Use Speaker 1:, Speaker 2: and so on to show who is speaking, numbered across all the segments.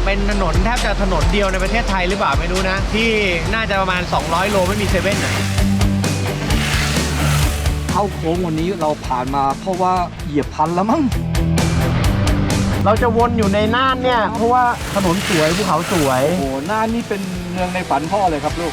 Speaker 1: เป็นถนนแทบจะถนนเดียวในประเทศไทยหรือเปล่าไม่รู้นะที่น่าจะประมาณ200 โลไม่มีเซเว่นอ่ะ
Speaker 2: เข้าโค้งวันนี้เราผ่านมาเพราะว่าเหยียบพันแล้วมั้ง
Speaker 1: เราจะวนอยู่ในน่านเนี่ยเพราะว่าถนนสวยภูเขาสวย
Speaker 2: โอ้โหน่านนี่เป็นเมืองในฝันพ่อเลยครับลูก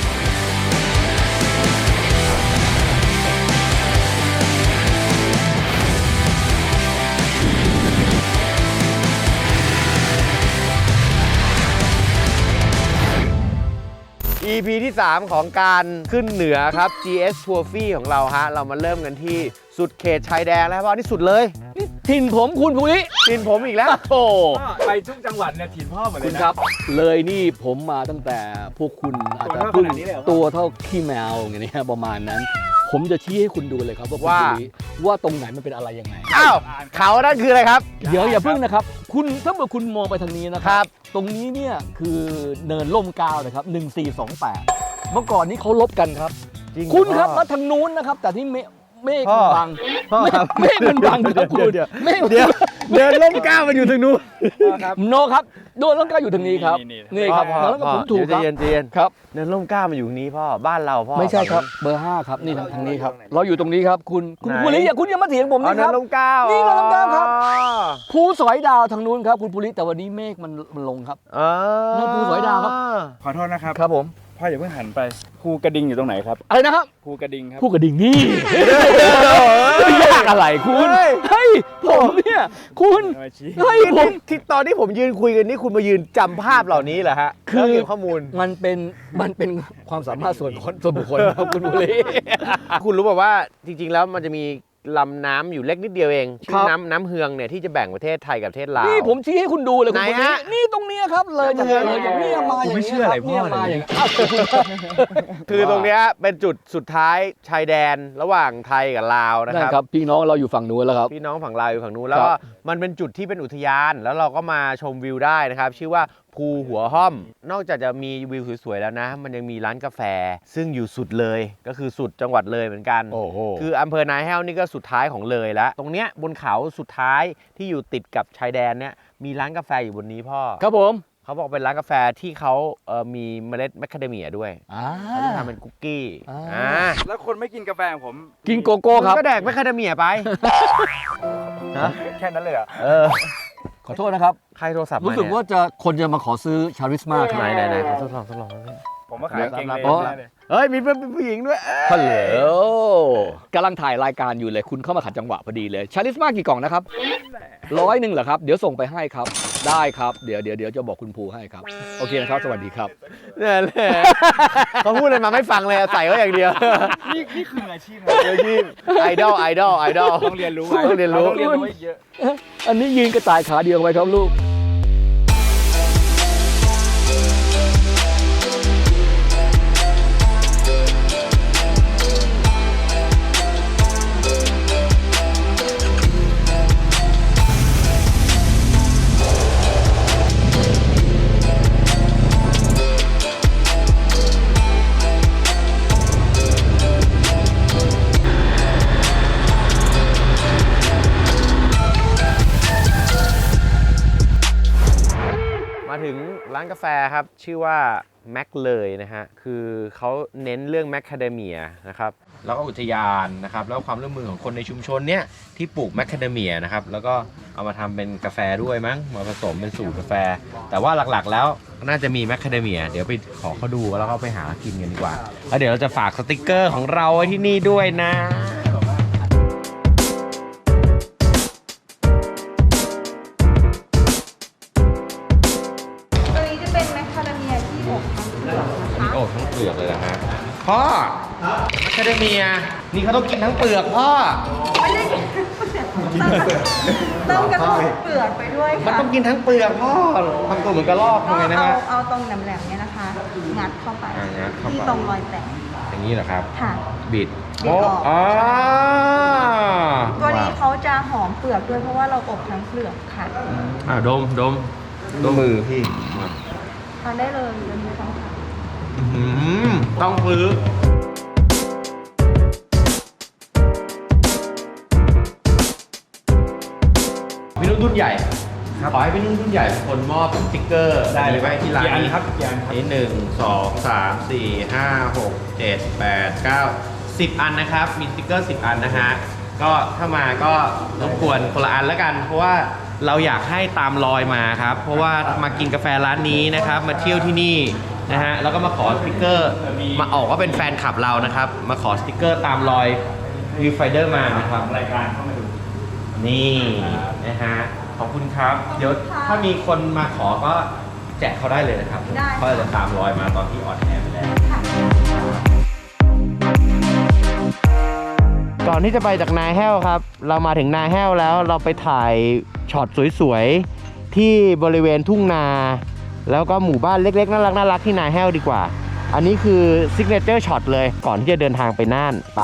Speaker 1: EP ที่ 3 ของการขึ้นเหนือครับ GS Trophy ของเราฮะเรามาเริ่มกันที่สุดเขตชายแดนแล้วเพราะนี่สุดเลย
Speaker 2: ถิ่นผมคุณภูริ
Speaker 1: ถิ่นผมอีกแล้ว
Speaker 2: โอ้
Speaker 3: ไปทุกจังหวัดเนี่ยถิ่นพ่อหมดเลยนะครับ
Speaker 2: เลยนี่ผมมาตั้งแต่พวกคุณอาจจะเพิ่งตัวเท่าขี้แมวอย่างนี้ประมาณนั้นผมจะชี้ให้คุณดูเลยครับว่าตรงไหนมันเป็นอะไรยังไง
Speaker 1: อ้าวเขานั่นคืออะไรครับ
Speaker 2: เดี๋ยวอย่าเพิ่งนะครับคุณถ้าเมื่อคุณมองไปทางนี้นะครับตรงนี้เนี่ยคือเนินล่มเกล้านะครับ1428เมื่อก่อนนี้เขาลบกันครับคุณครับมาทางนู้นนะครับแต่ที่เมฆมันบังเมฆมันบังครับคุณเ
Speaker 1: ดินล่มเกล้ามันอยู่ทางนู้น
Speaker 2: โนครับโดนล่มเกล้าอยู่ทางนี้ครับนี่ครับแล้วก็ผมถูกครับ
Speaker 1: เย็นครับเดินล่มเกล้ามันอยู่ตรงนี้พ่อบ้านเราพ่อ
Speaker 2: ไม่ใช่ครับเบอร์5ครับนี่ทางนี้ครับเราอยู่ตรงนี้ครับคุณภูริอย่าคุณอย่ามาเถียงผมนี่ครับ
Speaker 1: ล่มเกล้า
Speaker 2: นี่ล่มเกล้าครับภูสอยดาวทางนู้นครับคุณภูริแต่วันนี้เมฆมันลงครับนั่นภูสอยดาวครับ
Speaker 3: ขอโทษนะครับ
Speaker 2: ครับผม
Speaker 3: พ่ออย่าเพิ่งหันไปภูกระดิ่งอยู่ตรงไหนครับ
Speaker 2: อะไรนะครับ
Speaker 3: ภูกระดิ่งครับ
Speaker 2: ภูกระดิ่งนี่ยากอะไรคุณเฮ้ยผมเนี่ยคุณ
Speaker 1: เฮ้ยที่ตอนที่ผมยืนคุยกันนี่คุณมายืนจำภาพเหล่านี้เหรอฮะคือเก็บข้อมูล
Speaker 2: มันเป็นความสามารถส่วนบุคคลครับคุณบุรี
Speaker 1: คุณรู้ป่าวว่าจริงๆแล้วมันจะมีลำน้ำอยู่เล็กนิดเดียวเองชื่อน้ำเฮืองเนี่ยที่จะแบ่งประเทศไทยกับประเทศลาว
Speaker 2: นี่ผมชี้ให้คุณดูเลยคุณฮะนี่ตรงนี้ครับเลยจากนี่มาอย่างนี้
Speaker 3: ไม่เชื่ออะไรพ่อเลย
Speaker 1: คือตรงนี้เป็นจุดสุดท้ายชายแดนระหว่างไทยกับลาวนะครับ
Speaker 2: พี่น้องเราอยู่ฝั่งนู้นแล้วครับ
Speaker 1: พี่น้องฝั่งลาวอยู่ฝั่งนู้นแล้วก็มันเป็นจุดที่เป็นอุทยานแล้วเราก็มาชมวิวได้นะครับชื่อว่าภูหัวห้อมนอกจากจะมีวิวสวยๆแล้วนะมันยังมีร้านกาแฟซึ่งอยู่สุดเลยก็คือสุดจังหวัดเลยเหมือนกันคืออำเภอนาแห้วนี่ก็สุดท้ายของเลยแล้วตรงเนี้ยบนเขาสุดท้ายที่อยู่ติดกับชายแดนเนี่ยมีร้านกาแฟอยู่บนนี้พ่อ
Speaker 2: ครับผม
Speaker 1: เขาบอกเป็นร้านกาแฟที่เขามีเมล็ดแมคคาเดเมียด้วยเขาจะทำเป็นคุกกี้
Speaker 3: แล้วคนไม่กินกาแฟผม
Speaker 2: กินโกโก้ครับ
Speaker 1: ก็แดกแมคคาเดเมียไป
Speaker 3: แค่นั้นเลยเหรอ
Speaker 2: ขอโทษนะครับ
Speaker 1: ใครโทรศัพท์
Speaker 2: รู้สึกว่าคนจะมาขอซื้อชาริสมาครับ
Speaker 1: ไหนทดลอง
Speaker 3: ผมมาขายเก่งเลย
Speaker 1: เฮ้ยมีผู้หญิงด้วย
Speaker 2: ฮัลโหลกำลังถ่ายรายการอยู่เลยคุณเข้ามาขัดจังหวะพอดีเลยชาริสมากี่กล่องนะครับ100เหรอครับเดี๋ยวส่งไปให้ครับได้ครับเดี๋ยวจะบอกคุณภูให้ครับโอเคนะครับสวัสดีครับ
Speaker 1: เนี่ยแหละเขาพูดอะไรมาไม่ฟังเลยใส่ก็อย่างเดียว
Speaker 3: นี่คืออาชีพ
Speaker 1: ไอดอล
Speaker 3: ต้องเรียนรู้
Speaker 2: เยอะอันนี้ยืนกระต่ายขาเดียวไปครับลูก
Speaker 1: มาถึงร้านกาแฟครับชื่อว่าแมคเลยนะฮะคือเขาเน้นเรื่องแมคคาเดเมียนะครับแล้วก็อุทยานนะครับแล้วความร่วมมือของคนในชุมชนเนี้ยที่ปลูกแมคคาเดเมียนะครับแล้วก็เอามาทำเป็นกาแฟด้วยมั้งมาผสมเป็นสูตรกาแฟแต่ว่าหลักๆแล้วน่าจะมีแมคคาเดเมียเดี๋ยวไปขอเขาดูแล้วก็ไปหากินกันดีกว่าแล้วเดี๋ยวเราจะฝากสติกเกอร์ของเราไว้ที่นี่ด้วยนะทั้งเปลือกเลยนะฮะพ่อแมคคาเดเมียนี่เขาต้องกินทั้งเปลือกพ่อ
Speaker 4: ไม่ได้ต้องกระทบเปลือกไปด้วยค่ะ
Speaker 1: มันต้องกินทั้งเปลือกพ่อทำตัวเหมือนกระรอกไงนะฮะ
Speaker 4: เอาตรงแหลมๆเนี่ยนะคะงัดเข้าไปที่ตรงรอยแตก
Speaker 1: อย่างนี้เหรอครับ
Speaker 4: ค่ะ
Speaker 1: บิด
Speaker 4: ออกตัวนี้เขาจะหอมเปลือกด้วยเพราะว่าเราอบทั้งเปลือกค่ะ
Speaker 1: ดมมือพี่
Speaker 4: ทานได้เลยเดี๋ยวมีทั้งค่ะ
Speaker 1: ต้องซื้อพี่รุ่นใหญ่ขอให้พี่นุ่นรุ่นใหญ่เป็นคนมอบสติ๊กเกอร์ได้เลยไหมที่ร้านนี้
Speaker 3: ครับกี่อันครับ
Speaker 1: นี่1 2 3 4 5 6 7 8 9 10 อันนะครับมีสติ๊กเกอร์10 อันนะฮะก็ถ้ามาก็รบกวนคนละอันแล้วกันเพราะว่าเราอยากให้ตามรอยมาครับเพราะว่ามากินกาแฟร้านนี้นะครับมาเที่ยวที่นี่นะฮะแล้วก็มาขอสติ๊กเกอร์มาออกว่าเป็นแฟนคลับเรานะครับมาขอสติ๊กเกอร์ตามรอยวิวไฟเดอร์มานะครับ
Speaker 3: รายการเข้ามาดู
Speaker 1: นี่นะฮะขอบคุณครับเดี๋ยวถ้ามีคนมาขอก็แจกเขาได้เลยนะครับ
Speaker 4: ได้
Speaker 1: เขาจะตามรอยมาตอนที่ออนแอร์ไปแล้ว ก่อนที่จะไปจากนาแห้วครับ เรามาถึงนาแห้วแล้วเราไปถ่ายช็อตสวยๆที่บริเวณทุ่งนา แล้วก็หมู่บ้านเล็กๆน่ารักที่นาแห้วดีกว่า อันนี้คือซิกเนเจอร์ช็อตเลยก่อนที่จะเดินทางไปน่านปะ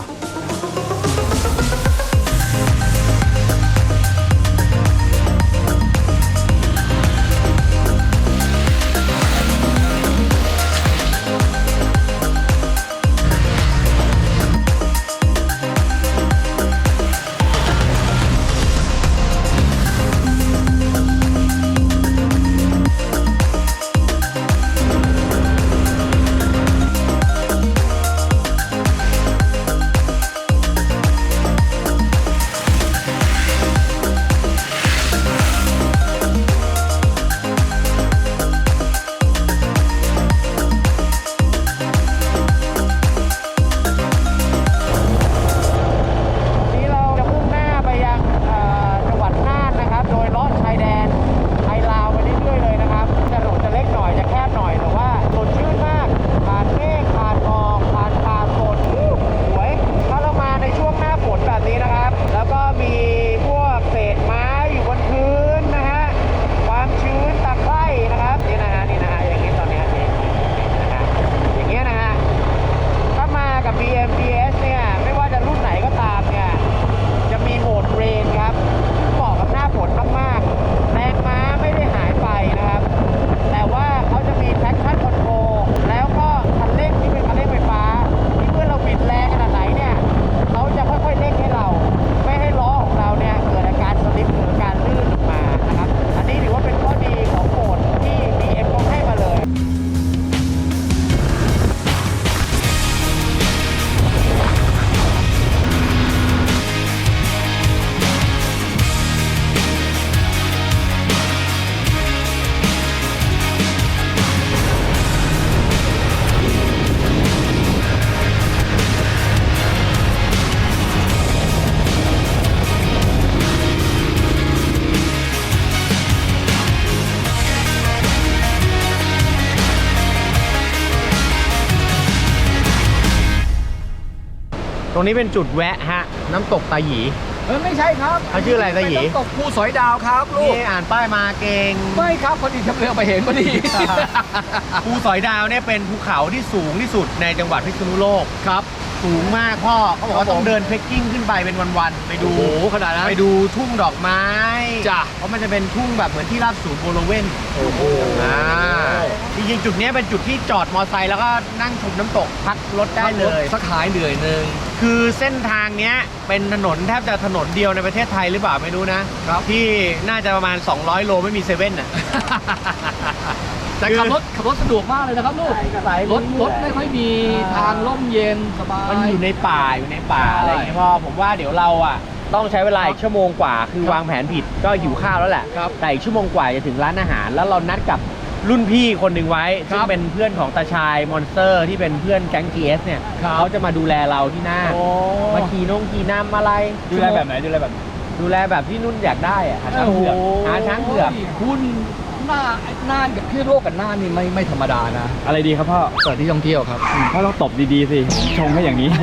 Speaker 1: ตรงนี้เป็นจุดแวะฮะน้ำตกตาหยี
Speaker 2: ไม่ใช่ครับ
Speaker 1: เขาชื่ออะไรตาหยี
Speaker 2: เป็นน้ำตกภูสอยดาวครับลูก
Speaker 1: นี่อ่านป้ายมาเก่ง
Speaker 2: ไม่ครับพอดีทำเรือมาเห็นพอดี
Speaker 1: ภูสอยดาวเนี่ยเป็นภูเขาที่สูงที่สุดในจังหวัดพิษณุโลก
Speaker 2: ครับ
Speaker 1: สูงมากพ่อเขาบอกว่า
Speaker 2: ครับผม
Speaker 1: ต้องเดินเทรคกิ้งขึ้นไปเป็นวันๆไปดู
Speaker 2: โอ้โหขนาดนั้น
Speaker 1: ไปดูทุ่งดอกไม้
Speaker 2: จ้ะ
Speaker 1: เพราะมันจะเป็นทุ่งแบบเหมือนที่ราบสูงโบโลเวน
Speaker 2: โอ้โห
Speaker 1: จริงๆจุดเนี้ยเป็นจุดที่จอดมอไซค์แล้วก็นั่งชมน้ำตกพักรถได้เลย
Speaker 2: สักหายเหนื่อยหนึ่ง
Speaker 1: คือเส้นทางเนี้ยเป็นถนนแทบจะถนนเดียวในประเทศไทยหรือเปล่าไม่รู้นะที่น่าจะประมาณ200โลไม่มีเซเว่นน่ะ
Speaker 2: แต่ขับรถสะดวกมากเลยนะครับลูกรถไม่ค่อยมีทางร่มเย็นสบาย
Speaker 1: มันอยู่ในป่าอะไรอย่างเงี้ยพ่อผมว่าเดี๋ยวเราอ่ะต้องใช้เวลาอีกชั่วโมงกว่าคือวางแผนผิดก็หิวข้าวแล้วแหละแต่อีกชั่วโมงกว่าจะถึงร้านอาหารแล้วเรานัดกับรุ่นพี่คนหนึ่งไว้ซึ่งเป็นเพื่อนของตาชายมอนสเตอร์ที่เป็นเพื่อนแก๊ง GS เนี่ยเขาจะมาดูแลเราที่หน้ามาขี่น้ำอะไร
Speaker 3: ดูแลแบบไหนดูแลแบบ
Speaker 1: ดูแลแบบที่นุ่นอยากได้อะหาช้างเผือกหาช้างเผือก
Speaker 2: คุณน่านกับพี่โลกกับน่านนี่ไม่ธรรมดานะ
Speaker 3: อะไรดีครับพ่อ
Speaker 2: สถานที่ท่องเที่ยวครับ
Speaker 3: พ่อต้องตบดีๆสิชงให้อย่างนี้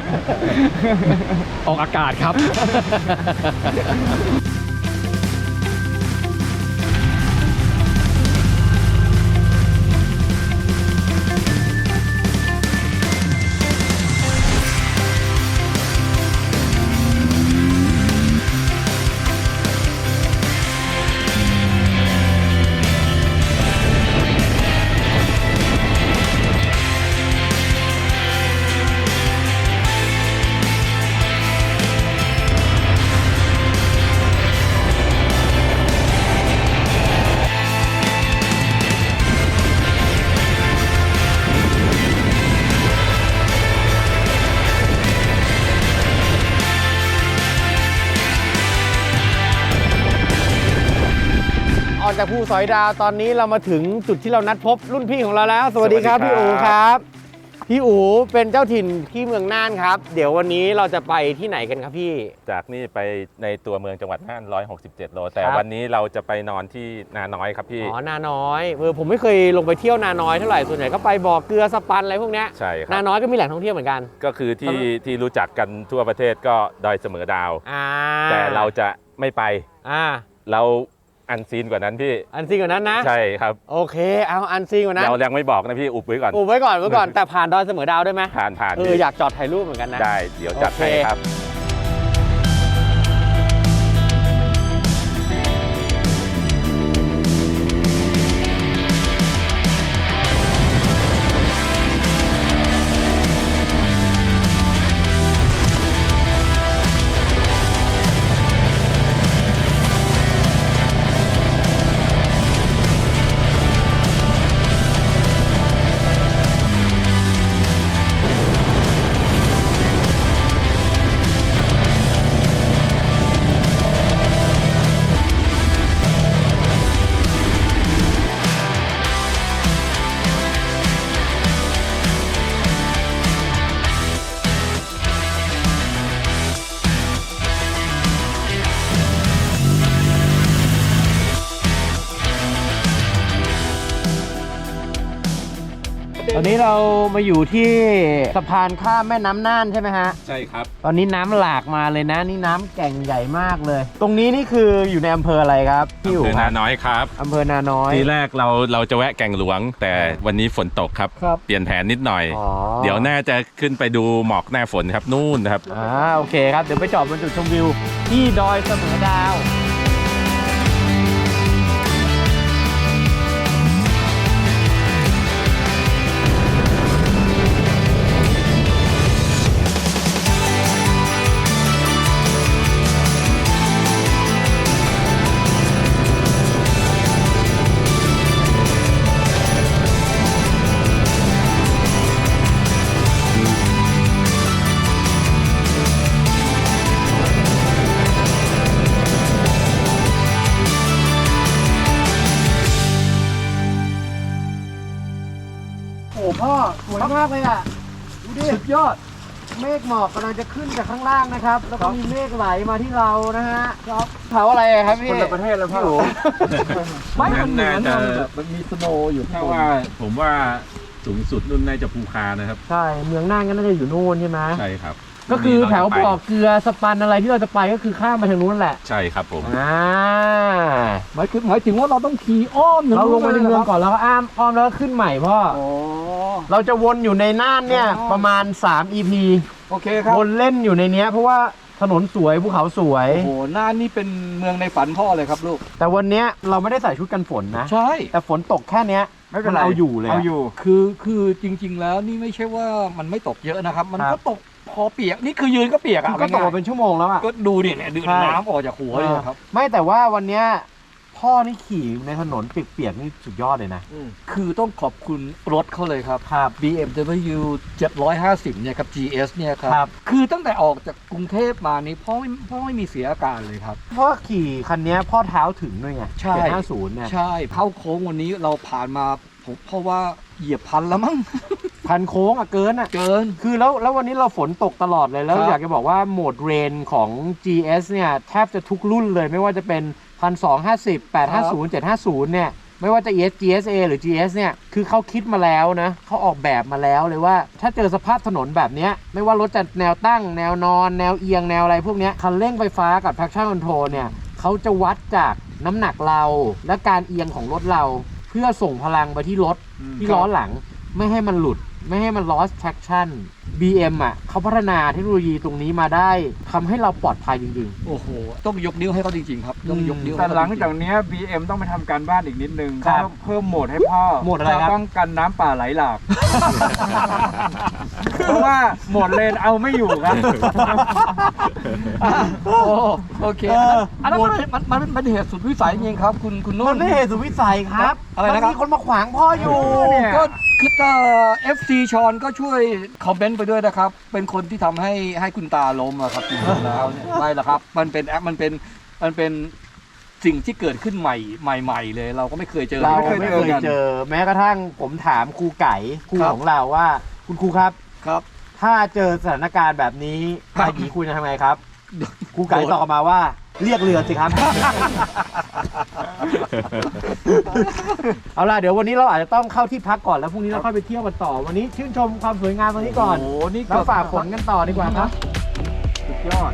Speaker 3: ออกอากาศครับ
Speaker 1: ออกจากภูสอยดาวตอนนี้เรามาถึงจุดที่เรานัดพบรุ่นพี่ของเราแล้ว สวัสดีครับ
Speaker 5: สวัสดีครับ
Speaker 1: พี่อู๋ครับพี่อู๋เป็นเจ้าถิ่นที่เมืองน่านครับ เดี๋ยววันนี้เราจะไปที่ไหนกันครับพี่
Speaker 5: จากนี่ไปในตัวเมืองจังหวัดน่าน167 โล แต่
Speaker 1: ครับ
Speaker 5: วันนี้เราจะไปนอนที่นาน้อยครับพี่
Speaker 1: อ๋อนาน้อยผมไม่เคยลงไปเที่ยวนาน้อยเท่าไหร่ส่วนใหญ่ก็ไปบ่อเกลือสปันอะไรพวกเนี้ย
Speaker 5: ใช่ครั
Speaker 1: นา
Speaker 5: บ
Speaker 1: น้อยก็มีแหล่งท่องเที่ยวเหมือนกัน
Speaker 5: ก็คือที่รู้จักกันทั่วประเทศก็ดอยเสมอดาว แต่เราจะไม่ไป เราอันซีนกว่านั้นพี่
Speaker 1: อันซีนกว่านั้นนะ
Speaker 5: ใช่ครับ
Speaker 1: โอเคเอาอันซีนกว่านั้น
Speaker 5: เรายังไม่บอกนะพี่อุบไว้ก่อน
Speaker 1: ไว้ก่อนแต่ผ่านดอยเสมอดาวได้ไหม
Speaker 5: ผ่าน
Speaker 1: อยา
Speaker 5: พี่
Speaker 1: กจอดถ่ายรูปเหมือนกันนะ
Speaker 5: ได้เดี๋ยวจัดให้ครับ
Speaker 1: ตอนนี้เรามาอยู่ที่สะพานข้ามแม่น้ำน่านใช่ไหมฮะ
Speaker 5: ใช่ครับ
Speaker 1: ตอนนี้น้ำหลากมาเลยนะนี่น้ำแก่งใหญ่มากเลย ตรงนี้นี่คืออยู่ในอำเภออะไรครับพี่อู๋
Speaker 5: คือนาน้อยครับ
Speaker 1: อำเภอนาน้อย
Speaker 5: ทีแรกเราจะแวะแก่งหลวง แต่วันนี้ฝนตกครับ
Speaker 2: ครับ
Speaker 5: เปลี่ยนแผนนิดหน่อย
Speaker 1: อ๋อ
Speaker 5: เดี๋ยวน่าจะขึ้นไปดูหมอกหน้าฝนครับนู่นนะครับ
Speaker 1: โอเคครับเดี๋ยวไปจอดบนจุดชมวิวที่ดอยเสมอดาวโอ้พ่อสวยมากเลยอ่ะดูดิสุดยอดเมฆหมอกกำลังจะขึ้นจากข้างล่างนะครับ แล้วก็มีเมฆไหลมาที่เรานะฮะครับเผาอะไรครับพี่คนละประเทศแล้วพ่อ
Speaker 2: ไม่มันเหมือน
Speaker 5: น่าจะ
Speaker 2: แบบมันมีสโนว์อยู่
Speaker 5: ถ้าว่าผมว่าสูงสุดนู่นน่าจะภูคานะครับ
Speaker 1: ใช่เมืองน่านก็น่าจะอยู่นู่นใช่ไหม
Speaker 5: ใช่ครับ
Speaker 1: ก็คือแถวบ่อเกลือสปันอะไรที่เราจะไปก็คือข้ามมาทางนู้นแหละ
Speaker 5: ใช่ครับผม
Speaker 2: หมายถึงว่าเราต้องขี่อ้อม
Speaker 1: เราลงไปในเมืองก่อนแล้วก็อ้อมแล้วก็ขึ้นใหม่พ่อ
Speaker 2: โอ้
Speaker 1: เราจะวนอยู่ในน่านเนี่ยประมาณ3 EP
Speaker 2: โอเคครับ
Speaker 1: วนเล่นอยู่ในเนี้ยเพราะว่าถนนสวยภูเขาสวย
Speaker 2: โอ้โหน่านนี่เป็นเมืองในฝันพ่อเลยครับลูก
Speaker 1: แต่วันเนี้ยเราไม่ได้ใส่ชุดกันฝนนะ
Speaker 2: ใช่
Speaker 1: แต่ฝนตกแค่เนี้ยมันเอาอยู่เลย
Speaker 2: เอาอยู่คือจริง ๆ แล้วนี่ไม่ใช่ว่ามันไม่ตกเยอะนะครับ มันก็ตกพอเปียกนี่คือยืนก็เปียกอ่ะ
Speaker 1: ก็ตกมาเป็นชั่วโมงแล้วอ่ะ
Speaker 2: ก็ดูดิเนี่ยดูน้ำออกจากหัวเลยครับ
Speaker 1: ไม่แต่ว่าวันเนี้ยพ่อนี่ขี่ในถนนเปียกๆนี่สุดยอดเลยนะ
Speaker 2: คือต้องขอบคุณรถเขาเลยครับ
Speaker 1: ครับ
Speaker 2: BMW 750เนี่ยครับ GS เนี่ยค
Speaker 1: ครั
Speaker 2: รับ คือตั้งแต่ออกจากกรุงเทพมานี่พ่อไม่มีเสียอาการเลยครับ
Speaker 1: เพราะว่าขี่คันเนี้ยพ่อเท้าถึงด้วยไง
Speaker 2: ใช่
Speaker 1: 750เนี่ย
Speaker 2: ใช่เข้าโค้งวันนี้เราผ่านมาผมเพราะว่าเหยียบพันแล้วมั้ง
Speaker 1: พันโค้งอะเกินอะ
Speaker 2: เกิน
Speaker 1: คือแล้ววันนี้เราฝนตกตลอดเลยแล้ว
Speaker 2: ครับ
Speaker 1: อยากจะบอกว่าโหมดเรนของ GS เนี่ยแทบจะทุกรุ่นเลยไม่ว่าจะเป็น 1250 850 750 เนี่ยไม่ว่าจะ GSA หรือ GS เนี่ยคือเขาคิดมาแล้วนะเขาออกแบบมาแล้วเลยว่าถ้าเจอสภาพถนนแบบเนี้ยไม่ว่ารถจะแนวตั้งแนวนอนแนวเอียงแนวอะไรพวกเนี้ยคันเร่งไฟฟ้ากับ traction control เนี่ยเขาจะวัดจากน้ำหนักเราและการเอียงของรถเรา เพื่อส่งพลังไปที่รถที่ล้อหลังไม่ให้มันหลุดไม่ให้มัน lost traction BM อ่ะเขาพัฒนาเทคโนโลยีตรงนี้มาได้ทำให้เราปลอดภัยจริง
Speaker 2: โอ้โหต้องยกนิ้วให้เขาจริงๆครับต้องยกนิ้ว
Speaker 3: แต่
Speaker 2: ให้
Speaker 3: หลั
Speaker 2: เขา
Speaker 3: ง
Speaker 2: จริงๆ
Speaker 3: จากนี้ BM ต้องไปทำการบ้านอีกนิดนึง
Speaker 1: ครับ
Speaker 3: ต้องเพิ่มโหมดให้พ่อ
Speaker 1: โหมดอะไรครับ
Speaker 3: เพื่ป้องกันน้ำป่าไหลหลาก เพราะว่าโหมดเลนเอาไม่อยู่ครับ
Speaker 2: โอเคอันนั้นมันเป็นเหตุสุดวิสัยจริงๆครับคุณ
Speaker 1: ๆ
Speaker 2: นุ่
Speaker 1: มัน นไม่เหตุสุดวิสัยครับ
Speaker 2: อะไรนะครับ
Speaker 1: มันมีคนมาขวางพ่ออยู่
Speaker 3: เนี่ย
Speaker 2: ก็คือFC ชอนก็ช่วยคอมเมนต์ไปด้วยนะครับ เป็นคนที่ทำให้คุณตาล้มอะครับจริงๆแล้วเนี่ยไม่หรอกครับมันเป็นสิ่งที่เกิดขึ้นใหม่เลย เราก็ไม่เคยเจอ
Speaker 1: เราไม่เคยเจอแม้กระทั่งผมถามครูไก่ครูของเราว่าคุณครูครับ
Speaker 2: ครับ
Speaker 1: ถ้าเจอสถานการณ์แบบนี้
Speaker 2: ครับ
Speaker 1: ป้าหยีคุณจะทำไงครับครูไก่ตอบมาว่าเรียกเรือสิครับ เอาล่ะเดี๋ยววันนี้เราอาจจะต้องเข้าที่พักก่อนแล้วพรุ่งนี้เราค่อยไปเที่ยวกันต่อวันนี้ชื่นชมความสวยงามตรงนี้ก่อน
Speaker 2: โอ้โหนี่
Speaker 1: แล้วฝากฝนกันต่อดีกว่าครับสุดยอด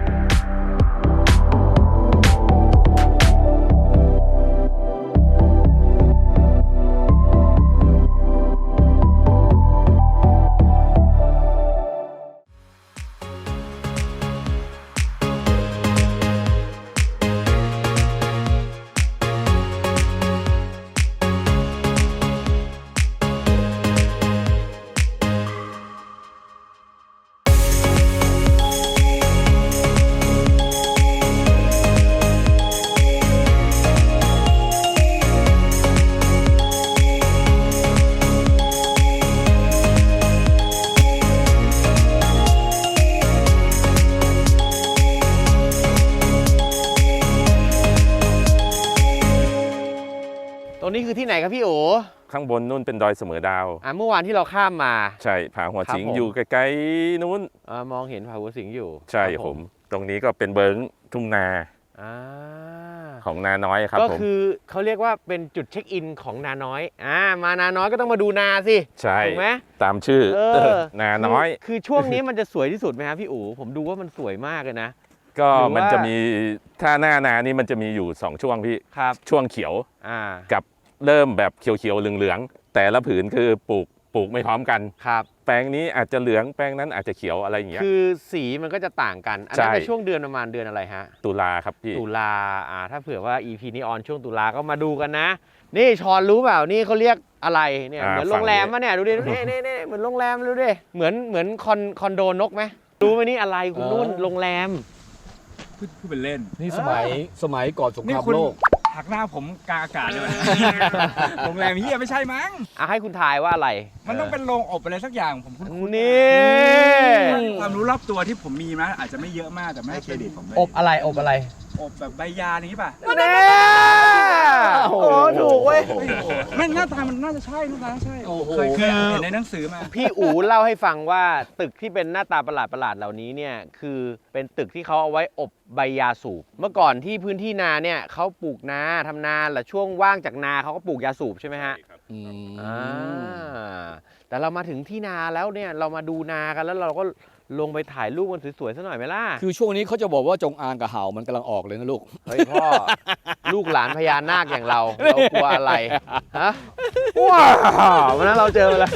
Speaker 1: ตรงนี้คือที่ไหนครับพี่โอ
Speaker 5: ข้างบนนู่นเป็นดอยเสมอดาว
Speaker 1: เมื่อวานที่เราข้ามมา
Speaker 5: ใช่ผาหัวสิง
Speaker 1: ครับผม
Speaker 5: อยู่ใกล้ๆนู้น
Speaker 1: มองเห็นผาหัวสิงอยู่
Speaker 5: ใช่
Speaker 1: ครับ
Speaker 5: ผม ตรงนี้ก็เป็นเบิงทุ่งนา
Speaker 1: อ่า
Speaker 5: ของนาน้อยครับ
Speaker 1: ก็
Speaker 5: ผม
Speaker 1: คือเขาเรียกว่าเป็นจุดเช็คอินของนาน้อยมานาน้อยก็ต้องมาดูนาสิ
Speaker 5: ใช่
Speaker 1: ถูกไหม
Speaker 5: ตามชื่อ นาน้อย
Speaker 1: คือช่วงนี้มันจะสวยที่สุดไหมครับพี่อู๋ผมดูว่ามันสวยมากเลยนะ
Speaker 5: ก็
Speaker 1: หรือว่ามั
Speaker 5: มันจะมีถ้าหน้านานี่มันจะมีอยู่ 2 ช่วงพี่
Speaker 1: ครับ
Speaker 5: ช่วงเขียว
Speaker 1: อ่า
Speaker 5: กับเริ่มแบบเขียวๆเหลืองๆแต่ละผืนคือปลูกไม่พร้อมกัน
Speaker 1: ครับ
Speaker 5: แปลงนี้อาจจะเหลืองแปลงนั้นอาจจะเขียวอะไรอย่างเงี้ย
Speaker 1: คือสีมันก็จะต่างกันอันนั้น
Speaker 5: ใช่
Speaker 1: เป็นช่วงเดือนประมาณเดือนอะไรฮะ
Speaker 5: ตุลาครับพี่
Speaker 1: ตุลาถ้าเผื่อว่า EP นี้ออนช่วงตุลาก็มาดูกันนะ นี่ชอนรู้เปล่านี่เขาเรียกอะไรเนี่ยเหมือนโรงแรมมะเนี่ยดูดินี่เหมือนโรงแรมดูดิเหมือนคอนโดนกไหมรู้ไหมนี่อะไรคุณนุ่นโรงแรม
Speaker 3: พูดเป็นเล่น
Speaker 2: นี่สมัยก่อนสงค
Speaker 3: นี่
Speaker 2: ราม
Speaker 3: คุณ
Speaker 2: โลก
Speaker 3: หักหน้าผมกลางอากาศเลย โรงแรมเฮียไม่ใช่มั้ง
Speaker 1: ให้คุณทายว่าอะไร
Speaker 3: มันต้องเป็นโรงอบอะไรสักอย่างผมคุ้นๆ
Speaker 1: นี่
Speaker 3: ความรู้รอบตัวที่ผมมีนะอาจจะไม่เยอะมากแต่ไม่ให้เครดิตผมเลย
Speaker 1: อบอะไรอบอะไร
Speaker 3: อบแบบใบยาอย่างนี้ป่ะ
Speaker 1: เน่โอ้ถูกเว้ย
Speaker 3: ไม่หน้าตามันน่าจะใช่หน้าตาใช่
Speaker 2: โอ้โห
Speaker 3: เคยเห็นในหนังสือมา
Speaker 1: พี่อู๋เล่าให้ฟังว่าตึกที่เป็นหน้าตาประหลาดเหล่านี้เนี่ยคือเป็นตึกที่เขาเอาไว้อบใบยาสูบเมื่อก่อนที่พื้นที่นาเนี่ยเขาปลูกนาทำนาและช่วงว่างจากนาเขาก็ปลูกยาสูบใช่ไหมฮะ
Speaker 2: อืม
Speaker 1: แต่เรามาถึงที่นาแล้วเนี่ยเรามาดูนากันแล้วเราก็ลงไปถ่ายรูปกันสวยๆซะหน่อยไหมล่ะ
Speaker 2: คือช่วงนี้เขาจะบอกว่าจงอางกับเห่ามันกำลังออกเลยนะลูก
Speaker 1: เฮ้ยพ่อ ลูกหลานพญานาคอย่างเรากลัวอะไรฮะว้าววันนั้นเราเจอมาแล้ว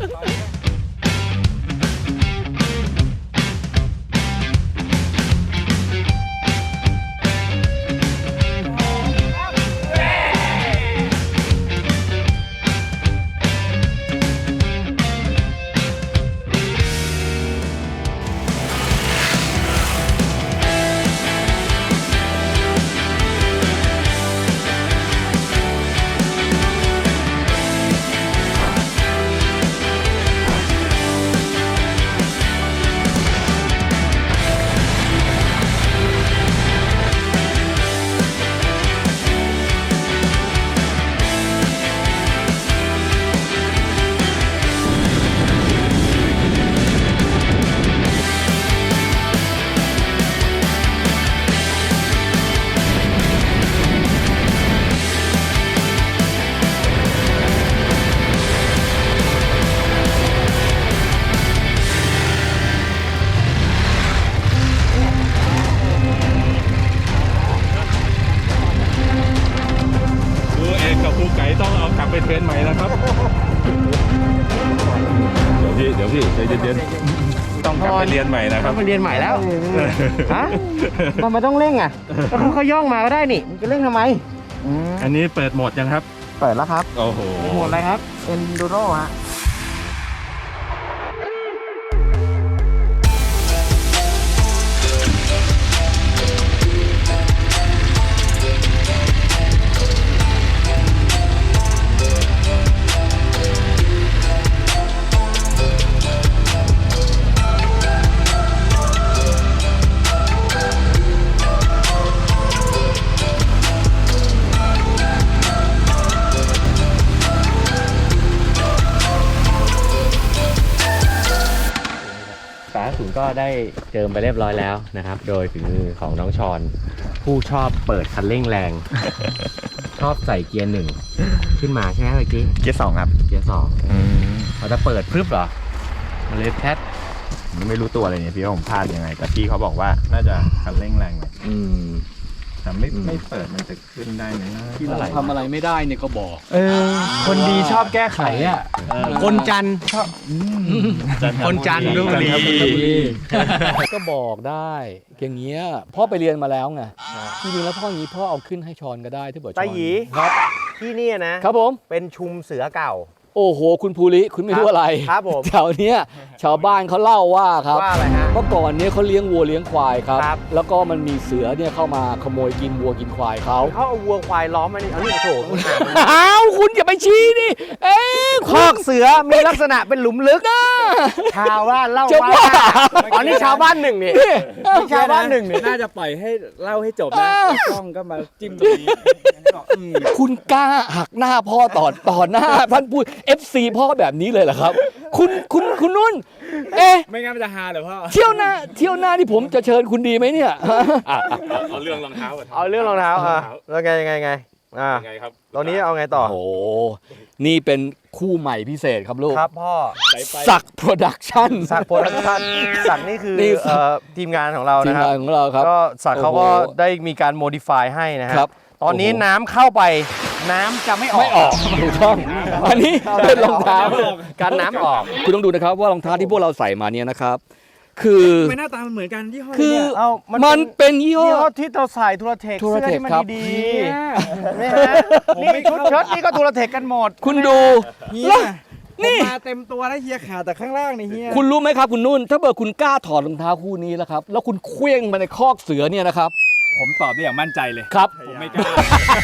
Speaker 5: ไปเทรนใหม่นะครับ เดี๋ยวพี่ใจเย็นๆต้องกลับไปเรียนใหม่นะครับ
Speaker 1: ต้องไปเรียนใหม่แล้วฮะมันไม่ต้องเร่งอ่ะก็เขาย่องมาก็ได้นี่มันจะเร่งทำไม
Speaker 5: อันนี้เปิดโหมดยังครับ
Speaker 1: เปิดแล้วครับ
Speaker 5: โอ้โห
Speaker 1: โหมดอะไรครับ Enduro ฮะได้เจิมไปเรียบร้อยแล้วนะครับ โดยฝีมือของน้องชอนผู้ชอบเปิดคันเร่งแรง ชอบใส่เกียร์หนึ่งขึ้นมาใช่ไหมเมื่อกี้
Speaker 3: เกียร์ 2 ครับ
Speaker 1: เกียร์สองเราจะเปิดพรึบเหรอมันเลยแพท
Speaker 3: ไม่รู้ตัวเลยเนี่ยพี่ว่าผมพลาดยังไง แต่พี่เขาบอกว่าน่าจะคันเร่งแรงหน่อยแต่ไม่เปิดมันจะขึ้นได้ไหมนะ
Speaker 2: ที่เราทำอะไรไม่ได้เนี่ยก็บอก
Speaker 3: คนดีชอบแก้ไขอ่ะ
Speaker 1: คนจันทร์คนจันทร์ดูดี
Speaker 2: ก็บอกได้อย่างเงี้ยพ่อไปเรียนมาแล้วไงจริงๆแล้วพ่ออย่างนี้พ่อเอาขึ้นให้ชอนก็ได้ที่บอกชอน
Speaker 1: ตาหยี
Speaker 2: ครับ
Speaker 1: ที่นี่นะครับ
Speaker 2: ผม
Speaker 1: เป็นชุมเสือเก่า
Speaker 2: โอ้โหคุณภูริคุณไม่รู้อะไร
Speaker 1: ครับผม
Speaker 2: แถวเนี้ยชาวบ้านเขาเล่าว่าครับ
Speaker 1: ว่าอะไรฮะ
Speaker 2: เมื่อก่อนเนี้ยเขาเลี้ยงวัวเลี้ยงควายครับ
Speaker 1: ครับ
Speaker 2: แล้วก็มันมีเสือเนี่ยเข้ามาขโมยกินวัวกินควายเขา
Speaker 1: เขาเอาวัวควายล้อมมันเอานี่โถคุณหา
Speaker 2: อ้าวคุณอย่าไปชี้ดิเอ๊ะ
Speaker 1: คอกเสือมีลักษณะเป็นหลุมลึกชาวบ้านเล่า
Speaker 2: จะ
Speaker 1: ว่า
Speaker 2: ว่า
Speaker 1: อ๋อนี่ชาวบ้านหนึ่งนี่นี่ชาวบ้านหนึ่งนี่
Speaker 3: น่าจะปล่อยให้เล่าให้จบนะกล้องก็มาจิ้มตรงนี้
Speaker 2: คุณกล้าหักหน้าพ่อต่อหน้าท่านพูด FC พ่อแบบนี้เลยเหรอครับ คุณนุ่น เอ๊ะ
Speaker 3: ไม่งั้นมันจะฮาเหรอพ่อ
Speaker 2: เที่ยวหน้าที่ผมจะเชิญคุณดีไหมเนี่ย
Speaker 5: เอาเรื่องรองเท้าก่อน
Speaker 1: เอาเรื่องรองเท้าอ่ะแล้วไงอ่ะ
Speaker 5: ยังไงครับ
Speaker 1: ตอนนี้เอาไงต่อ
Speaker 2: โอ้โหนี่เป็นคู่ใหม่พิเศษครับลูก
Speaker 1: ครับพ่อ
Speaker 2: สักโปรดักชั่น
Speaker 1: สักโปรดักชั่นสักนี่คือ
Speaker 2: นี่สัก
Speaker 1: ทีมงานของเรา
Speaker 2: ทีม
Speaker 1: นะครับ
Speaker 2: งานของเราครับ
Speaker 1: ก็สักเขาก็
Speaker 2: โอ้โห
Speaker 1: ได้มีการโมดิฟายให้นะฮะ
Speaker 2: ครับ
Speaker 1: ตอนนี้
Speaker 2: โอ้โห
Speaker 1: น้ำเข้าไปน้ำจะไม่ออก
Speaker 2: ไม่ออกถูกต้องอันนี้เป็นรองเท้า
Speaker 1: การน้ำออก
Speaker 2: คุณต้องดูนะครับว่ารองเท้าที่พวกเราใส่มาเนี่ยนะครับ คือ
Speaker 3: ไม่หน้าตามันเหมือนกันยี่ห้อ
Speaker 2: คือ
Speaker 3: เนี่ย
Speaker 1: เอามั
Speaker 2: มันเป็นยี่ห้
Speaker 1: ยี่
Speaker 2: อ
Speaker 1: ห้อที่เราใส่ทูรเทค
Speaker 2: ทูร
Speaker 1: เสื้อ
Speaker 2: เทค
Speaker 1: ที่มัน
Speaker 2: ครับ
Speaker 1: ดีๆนี่ฮะนี่ชุดเชิ้ตนี่ก็ทูรเทคกันหมด
Speaker 2: คุณดู
Speaker 3: เฮีย
Speaker 2: แล้ว
Speaker 3: นี่มาเต็มตัวแล้วเฮียขาดแต่ข้างล่างนี่เฮีย
Speaker 2: คุณรู้ไหมครับคุณนุ่น ถ้าเกิดคุณกล้าถอดรองเท้าคู่นี้แล้วครับ แล้วคุณเคว้งมาในคอกเสือเนี่ยนะครับ
Speaker 3: ผมตอบได้อย่างมั่นใจเลย
Speaker 2: ครับ
Speaker 3: ผมไม่กล้า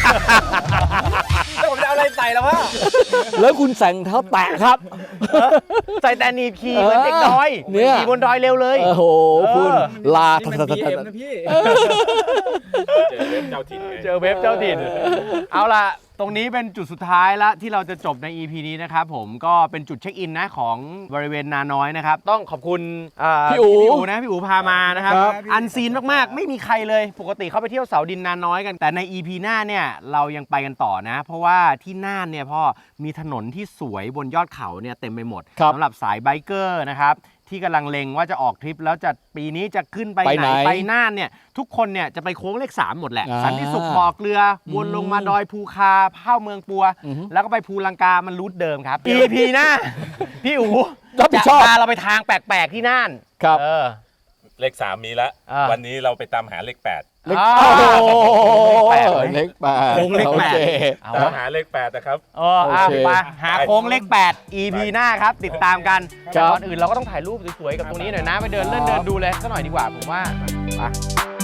Speaker 3: แล้วผมจะเอาอะไรใส่แล้ววะ
Speaker 2: แล้วคุณใส่รองเท้าแตะครับ
Speaker 1: ใส่แต่หนีบขี่เหมือนเด็กดอย
Speaker 2: เนี่ย
Speaker 1: ขี่บนดอยเร็วเลย
Speaker 2: โอ้โหคุณลา
Speaker 3: นี่มัน BM นะพี่
Speaker 5: เจอเว็บเจ้าถิ่นไง
Speaker 1: เจอเว็บเจ้าถิ่น เอาล่ะ ตรงนี้เป็นจุดสุดท้ายละที่เราจะจบใน EP นี้นะครับผมก็เป็นจุดเช็คอินนะของบริเวณนาน้อยนะครับ ต้องขอบคุณพี่อูนะพี่อูพามานะครับ
Speaker 3: ครับ
Speaker 1: อันซีนมากๆ ไม่มีใครเลย ปกติเขาไปเที่ยวเสาดินนาน้อยกัน แต่ใน EP หน้าเนี่ยเรายังไปกันต่อนะ เพราะว่าที่น่านเนี่ยพ่อมีถนนที่สวยบนยอดเขาเนี่ยเต็มไปหมด
Speaker 2: ครับ
Speaker 1: สำหรับสายไบเกอร์นะครับที่กำลังเล็งว่าจะออกทริปแล้วจะปีนี้จะขึ้นไป
Speaker 2: ไป
Speaker 1: ไห
Speaker 2: ไห
Speaker 1: น
Speaker 2: น
Speaker 1: ไปน่านเนี่ยทุกคนเนี่ยจะไปโค้งเลข 3 หมดแหละ
Speaker 2: อ่า
Speaker 1: สันติสุขบ่อเกลือวนลงมาดอยภูคาเข้าเมืองปัว
Speaker 2: อือฮึ
Speaker 1: แล้วก็ไปภูลังกามันรูทเดิมครับ EP หน้า พี่อู๋
Speaker 2: รับผิดชอบ
Speaker 1: จะพาเราไปทางแปลกๆที่น่าน
Speaker 2: ครับ
Speaker 5: เลข 3 มีแล้ว
Speaker 1: อ่า
Speaker 5: วันนี้เราไปตามหาเลข 8
Speaker 2: เล็ก
Speaker 1: อ้าว
Speaker 2: โอ้โห
Speaker 1: เลขแปดไหม
Speaker 2: เล็กแปด
Speaker 1: โค้งเลขแปด
Speaker 2: โอค
Speaker 1: เอา
Speaker 5: ตาม
Speaker 1: วะ
Speaker 5: หาเลข 8 นะครับ
Speaker 1: เอา
Speaker 2: โอเค
Speaker 1: ไปหาโค้งเลข 8 EP หน้าครับ ติดตามกัน
Speaker 2: ครับ
Speaker 1: แต่ก่อนอื่นเราก็ต้องถ่ายรูปสวยๆกับตรงนี้หน่อยนะ ไปเดินเล่นเดินดูเลยสักหน่อยดีกว่าผมว่าไป